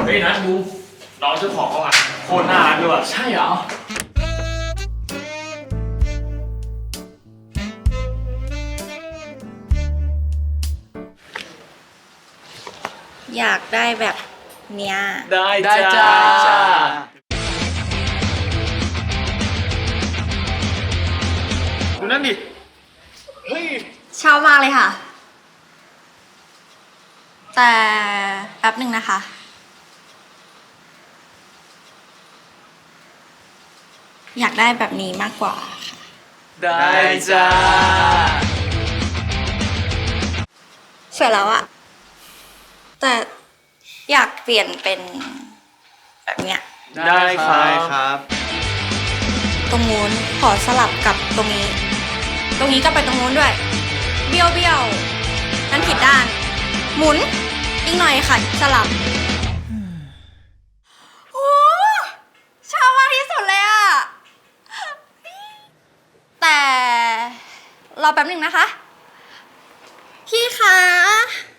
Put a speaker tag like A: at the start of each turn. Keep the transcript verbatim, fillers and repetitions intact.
A: ฮ้ยนัทดูน้องเจ้าของเขาอ่ะโคตรน่ารักด้วยใช่เหรอ
B: อยากได้แบบเนี้ย
A: ได้ได้จ้าดูนั่นดิเฮ้ย
B: ชอบมากเลยค่ะแต่แป๊บหนึ่งนะคะอยากได้แบบนี้มากกว่าค่ะ
A: ได้จ้า
B: สวยแล้วอะแต่อยากเปลี่ยนเป็นแบบเนี้ย
A: ได้ครับ
B: ตรงนู้นขอสลับกับตรงนี้ตรงนี้ก็ไปตรงนู้นด้วยเบี้ยวเบี้ยวนั่นผิดด้านหมุนอีกหน่อยค่ะสลับโอ้ชอบมากที่สุดเลยอะแต่รอแป๊บหนึ่งนะคะพี่คะ